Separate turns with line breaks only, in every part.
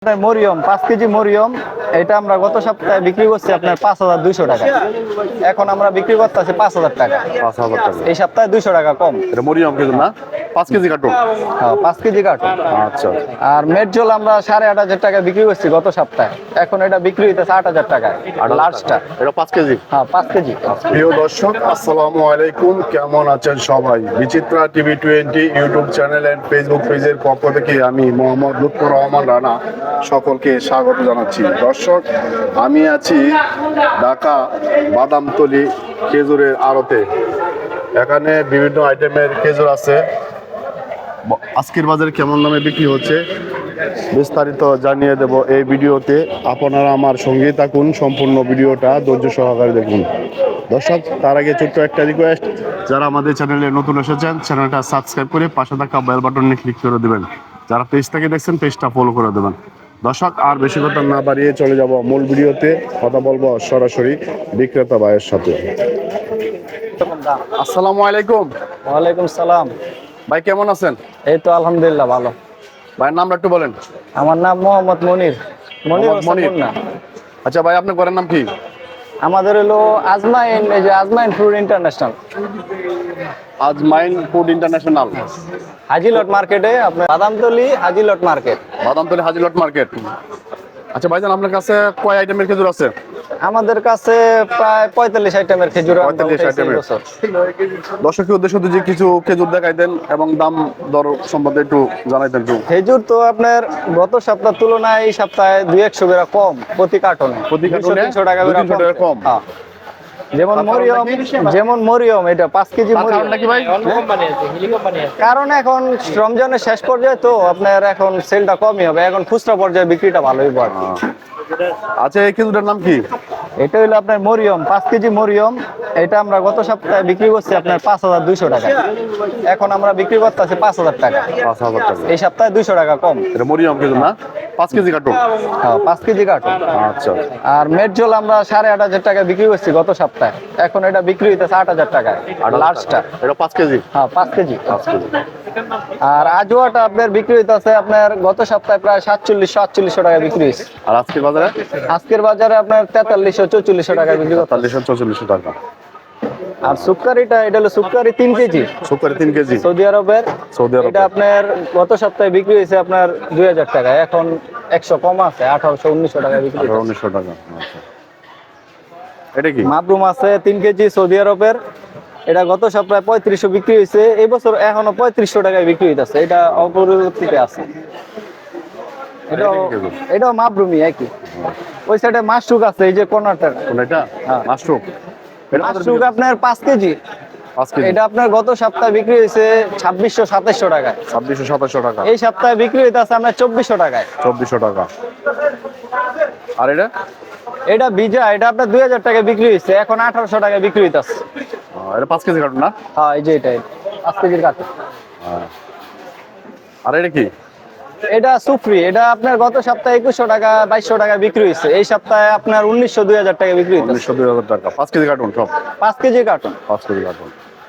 Mariam 5 KG Mariam এটা আমরা গত সপ্তাহে বিক্রি করছি আপনার 5200 টাকা। এখন আমরা বিক্রি করতেছি 5000 টাকা।
5000 টাকা।
এই সপ্তাহে 200 টাকা কম।
এটা মরিয়ম কেজি না? 5 কেজি কার্টন।
হ্যাঁ 5 কেজি কার্টন।
আচ্ছা।
আর মেটজল আমরা 8500 টাকা বিক্রি করছি গত সপ্তাহে। এখন এটা বিক্রি হইতেছে 8000 টাকা। আর লার্জটা
এটা 5 কেজি।
হ্যাঁ 5 কেজি।
প্রিয় দর্শক আসসালামু আলাইকুম, কেমন আছেন সবাই? Bichitra TV 20 YouTube channel and Facebook পেজের পক্ষ থেকে আমি মোহাম্মদ লুৎফর রহমান রানা সকলকে স্বাগত জানাচ্ছি। দর্শক, আমি আছি ঢাকা বাদামতলী খেজুরের আড়তে। এখানে বিভিন্ন আইটেমের খেজুর আছে। আজকের বাজারে কেমন দামে বিক্রি হচ্ছে বিস্তারিত জানিয়ে দেব এই ভিডিওতে। আপনারা আমার সঙ্গে থাকুন, সম্পূর্ণ ভিডিওটা ধৈর্য সহকারে দেখুন। দর্শক, তার আগে ছোট্ট একটা রিকোয়েস্ট, যারা আমাদের চ্যানেলে নতুন এসেছেন চ্যানেলটা সাবস্ক্রাইব করে পাশে থাকা বেল বাটনে ক্লিক করে দেবেন। যারা পেজ থেকে দেখছেন পেজটা ফলো করে দেবেন। দর্শক, আর বেশি কথা না বাড়িয়ে চলে যাব মূল ভিডিওতে। কথা বলবো সরাসরি বিক্রেতা ভাইয়ের সাথে। আসসালামু আলাইকুম।
ওয়ালাইকুম সালাম।
ভাই কেমন আছেন?
এই তো আলহামদুলিল্লাহ ভালো।
ভাইয়ের নামটা একটু বলেন।
আমার নাম মোহাম্মদ মনির।
মনির।
না,
আচ্ছা ভাই, আপনার ঘরের নাম কি?
আমাদের হলো আজমাইন, এই যে Azmain food international,
Azmain food international,
Hajilot মার্কেটে, আপনার বাদামতলী হাজিলট মার্কেট।
বাদামতলী হাজিলট মার্কেট। আচ্ছা ভাইজান, আপনার কাছে কয় আইটেমের খেজুর আছে?
আমাদের কাছে প্রায় 45 আইটেমের খেজুর।
45 আইটেমের। দর্শকের উদ্দেশ্যে যে কিছু খেজুর দেখাই দেন এবং দাম দর সম্বন্ধে একটু জানাইতেন একটু।
খেজুর তো আপনার গত সপ্তাহের তুলনায় এই সপ্তাহে 200 করে কম প্রতি কার্টনে।
প্রতি কার্টনে
200 টাকা করে
200 টাকা কম।
হ্যাঁ। যেমন মরিয়ম এটা 5 কেজি মরিয়ম।
কারণ নাকি ভাই?
কারণ এখন রমজানের শেষ পর্যায়ে তো আপনার এখন সেলটা কমই হবে, এখন খুচরা পর্যায়ে বিক্রিটা ভালোই পড়ে।
আচ্ছা, এই খেজুরের নাম কি?
এটা হলো আপনার মরিয়ম 5 কেজি মরিয়ম। এটা আমরা গত সপ্তাহে বিক্রি করছি আপনার 5200 টাকা। এখন আমরা বিক্রি করতেছি 5000 টাকা।
5000 টাকা।
এই সপ্তাহে 200 টাকা কম।
এটা মরিয়ম খেজুর না? 5 কেজি কার্টন।
হ্যাঁ 5 কেজি কার্টন।
আচ্ছা।
আর মেটজল আমরা 8500 টাকা বিক্রি করছি গত সপ্তাহে। এখন এটা বিক্রি হইতেছে 8000 টাকা। আর লার্জটা
এটা 5 কেজি।
হ্যাঁ 5 কেজি।
5 কেজি।
আর আজওয়াটা আপনার বিক্রি হইতেছে আপনার গত সপ্তাহে প্রায় 4700 টাকা বিক্রি হয়েছে।
আর আজকের বাজারে?
আজকের বাজারে আপনার 4300-4400 টাকা বিক্রি করতে।
4300-4400 টাকা।
আর সুক্কারিটা, এটা হলো সুক্কারি 3 কেজি।
সুপারি 3 কেজি।
সৌদি আরবের।
Saudi Arab.
এটা আপনার গত সপ্তাহে বিক্রি হয়েছে আপনার 2000 টাকা। এখন 100 কম আছে, 1800-1900 টাকা বিক্রি হচ্ছে।
1900 টাকা। আচ্ছা। এটা কি?
মাবরুম আছে 3 কেজি সৌদি আরবের। এটা গত সপ্তাহে 3500 বিক্রি হয়েছে, এই বছর এখনো 3500 টাকায় বিক্রি হইতাছে। এটা অপরিবর্তিত আছে। এটাও মাবরুমি একই। ওই সাইডে মাশরুক আছে, এই যে কর্নারটা।
কোনটা?
হ্যাঁ।
মাশরুম। এটা কত
মাশরুক
বিক্রি?
আপনার 5 কেজি।
5 কেজি।
এটা আপনার গত সপ্তাহে বিক্রি হয়েছে 2600-2700 টাকায়।
2600-2700 টাকা।
এই সপ্তাহে বিক্রি হইতাছে আপনার 2400 টাকায়।
2400 টাকা। আর এটা?
এটা বিজা, এটা আপনার 2000 টাকায় বিক্রি হয়েছে, এখন 1800 টাকায় বিক্রি হইতাছে।
এটা 5 কেজি কার্টন না?
হ্যাঁ এই যে এটা 5 কেজির কার্টন।
আর এটা কি?
এটা সুফরি, এটা আপনার গত সপ্তাহে 2100 টাকা 2200 টাকা বিক্রি হয়েছে, এই সপ্তাহে আপনার 1900-2000 টাকা বিক্রি হইতাছে।
1900-2000 টাকা। 5 কেজি কার্টন সব?
5 কেজি কার্টন।
5 KG carton.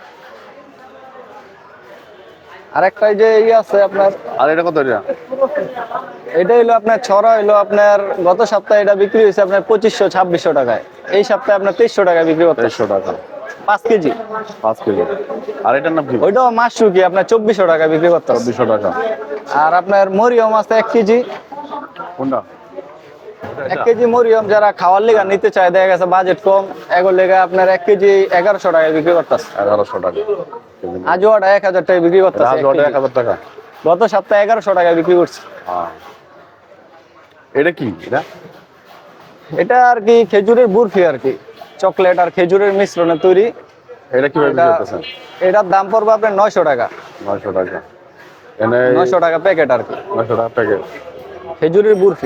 আর একটা এই যে আছে আপনার।
আর এটা কত?
এটা হলো আপনার ছড়া, হলো আপনার গত সপ্তাহে এটা বিক্রি হয়েছে আপনার 2500-2600 টাকায়, এই সপ্তাহে আপনার 2300 টাকা বিক্রি করতে।
2300 টাকা।
5 কেজি।
5 কেজি। আর এটার নাম কি?
ওইটাও মাশরুকি আপনার 2400 টাকা বিক্রি করতে।
2400 টাকা।
আর আপনার মরিয়ম আছে 1 কেজি।
কোনটা?
1 কেজি মরিয়ম যারা খাওয়ার লেগা নিতে চায়, দেখা গেছে বাজেট কম, এগুলো লেগা আপনার 1 কেজি 1100 টাকায় বিক্রি করতেছে।
1100 টাকা।
আজওয়াটা 1000 টাকায় বিক্রি করতেছে।
আজওয়াটা 1000 টাকা।
গত সপ্তাহে 1100 টাকায় বিক্রি করছে।
এটা কি?
এটা আর কি খেজুরের বরফি আর কি, চকলেট আর খেজুরের মিশ্রণে তৈরি।
এটা কিভাবে বিক্রি করতেছেন?
এটার দাম পড়বে আপনার 900 টাকা।
900 টাকা। এনে
900 টাকা প্যাকেট আর কি,
900 টাকা প্যাকেট
খেজুরের বরফি।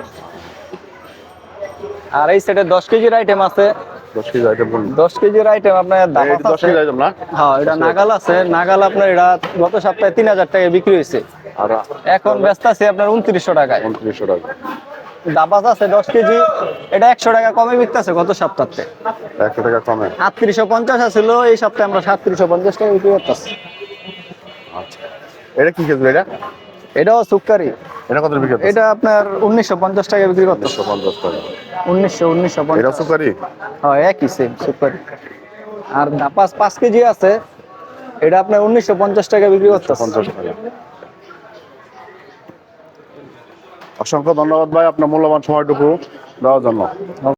আর এই সেটে 10 কেজির আইটেম আছে।
10 কেজি আইটেম বলুন।
10 কেজির আইটেম আপনার দাম
এই 10 কেজি আইটেম না?
হ্যাঁ, এটা নাগাল আছে। নাগাল আপনার এটা গত সপ্তাহে 3000 টাকায় বিক্রি হয়েছে,
আর
এখন ব্যস্ত আছে আপনার 2900 টাকায়।
2900 টাকা।
দাবাজ আছে 10 কেজি, এটা 100 টাকা কমে বিকতেছে গত সপ্তাহে।
100 টাকা কমে।
3850 ছিল, এই সপ্তাহে আমরা 3750 টাকা বিক্রি করতেছি।
আচ্ছা। এটা কি খেজুর এটা?
এটাও সুকারি।
এটা কত বিক্রি করতেছেন?
এটা আপনার 1950 টাকা বিক্রি করতে।
150 টাকা।
1950।
এটা সুকারি?
হ্যাঁ, একই সেম সুকারি। আর 5 কেজি আছে, এটা আপনার 1950 টাকা বিক্রি করতে।
50 টাকা। অসংখ্য ধন্যবাদ ভাই আপনার মূল্যবান সময়টুকু দেওয়ার জন্য।